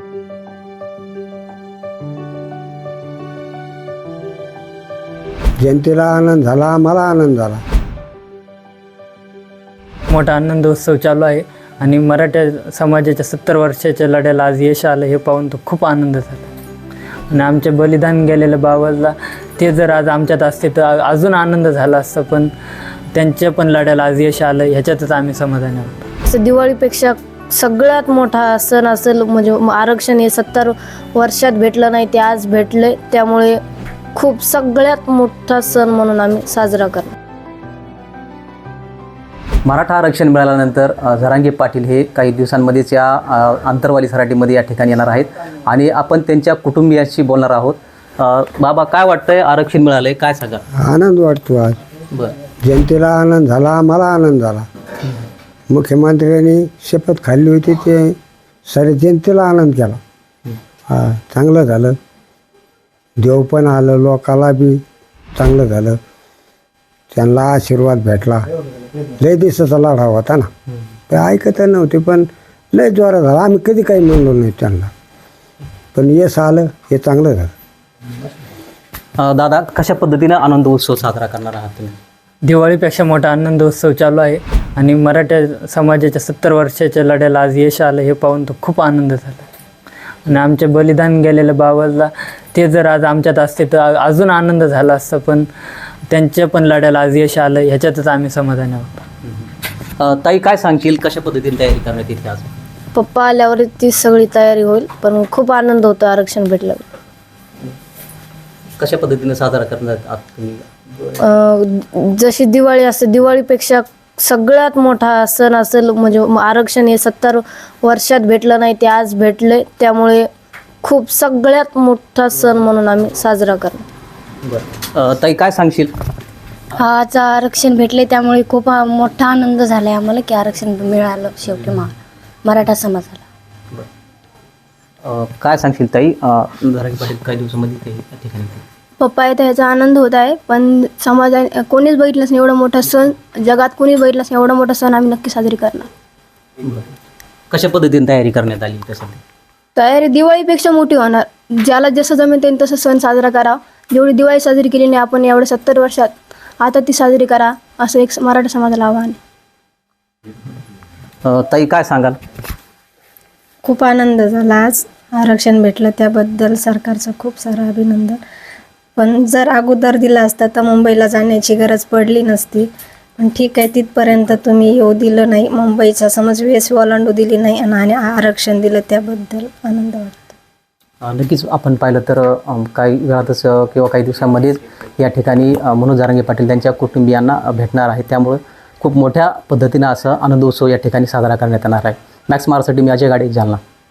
जनतेला आनंद झाला, आम्हाला आनंद झाला. मोठा आनंदोत्सव चालू आहे आणि मराठा समाजाच्या 70 वर्षाच्या लढ्याला आज यश आलं हे पाहून तो खूप आनंद झाला. आणि आमचे बलिदान गेलेलं बाबाला ते जर आज आमच्यात असते तर अजून आनंद झाला असता, पण त्यांच्या पण लढ्याला आज यश आलं ह्याच्यातच आम्ही समाधानी आहोत. असं दिवाळीपेक्षा सगळ्यात मोठा सण असेल म्हणजे आरक्षण हे 70 वर्षात भेटलं नाही ते आज भेटले, त्यामुळे खूप सगळ्यात मोठा सण म्हणून आम्ही साजरा करतो. मराठा आरक्षण मिळाल्यानंतर जरांगे पाटील हे काही दिवसांमध्येच या आंतरवाली सराटीमध्ये या ठिकाणी येणार आहेत आणि आपण त्यांच्या कुटुंबियांशी बोलणार आहोत. बाबा, काय वाटतंय आरक्षण मिळालंय, काय सांगा? आनंद वाटतो आज. बरं. जनतेला आनंद झाला, आम्हाला आनंद झाला. मुख्यमंत्र्यांनी शपथ खाल्ली होती ते सारे जनतेला आनंद केला. हा, चांगलं झालं. देव पण आलं, लोकाला बी चांगलं झालं. त्यांना आशीर्वाद भेटला. लय दिवसाचा लढा होता ना, ते ऐकत नव्हते, पण लय जोरात झाला. आम्ही कधी काही म्हणलो नाही त्यांना, पण यश आलं हे चांगलं झालं. दादा, कशा पद्धतीनं आनंद उत्सव साजरा करणार आहात तुम्ही? दिवाळीपेक्षा मोठा आनंदोत्सव चालू आहे आणि मराठा समाजाच्या 70 वर्षाच्या लढ्याला आज यश आलं हे पाहून तो खूप आनंद झाला. आणि आमचे बलिदान गेलेलं बाबाला ते जर आज आमच्यात असते तर अजून आनंद झाला असता, पण त्यांच्या पण लढ्याला आज यश आलं ह्याच्यातच आम्ही समाधानी आहोत. ताई, काय सांगशील, कशा पद्धतीने तयारी करण्यात येते आज? पप्पा आल्यावर ती सगळी तयारी होईल, पण खूप आनंद होतो आरक्षण भेटलं. कशा पद्धतीने साजरा करण्यात आहात तुम्ही? जशी दिवाळी असते, दिवाळीपेक्षा सगळ्यात मोठा सण असेल म्हणजे आरक्षण हे 70 वर्षात भेटलं नाही ते आज भेटले, त्यामुळे खूप सगळ्यात मोठा सण म्हणून आम्ही साजरा करतो. बरं. ताई, काय सांगशील? आज आरक्षण भेटले त्यामुळे खूप मोठा आनंद झाला आहे आम्हाला की आरक्षण मिळालं शेवटी मराठा समाजाला. काय सांगशील ताई? जरांगे पाटील काही दिवसामध्ये ते या ठिकाणी येतील. पप्पा येतं ह्याचा आनंद होत आहे, पण समाजाने कोणीच बघितलंच नाही एवढा मोठा सण, जगात कोणीच बघितलंच नाही एवढा मोठा सण आम्ही नक्की साजरी करणार. बरं. कशा पद्धतीने तयारी करण्यात आली तसं? तयारी दिवाळीपेक्षा मोठी होणार. ज्याला जसं जमेल त्यांनी तसं सण साजरा करा. जेवढी दिवाळी साजरी केली नाही आपण एवढ्या 70 वर्षात, आता ती साजरी करा असं एक मराठा समाजाला आव्हान आहे. ताई, काय सांगाल? खूप आनंद झाला आज आरक्षण भेटलं, त्याबद्दल सरकारचं खूप सारं अभिनंदन. पण जर अगोदर दिला असता तर मुंबईला जाण्याची गरज पडली नसती. पण ठीक आहे, तिथपर्यंत तुम्ही येऊ दिलं नाही, मुंबईचा समज वेस ओलांडू दिली नाही आणि आरक्षण दिलं, त्याबद्दल आनंद वाटतो. नक्कीच आपण पाहिलं तर काही वेळातच किंवा काही दिवसांमध्येच या ठिकाणी मनोज जरांगे पाटील त्यांच्या कुटुंबियांना भेटणार आहे. त्यामुळे खूप मोठ्या पद्धतीनं असं आनंदोत्सव या ठिकाणी साजरा करण्यात येणार आहे. मॅक्स मारसाठी मी अजय गाडे, जालना.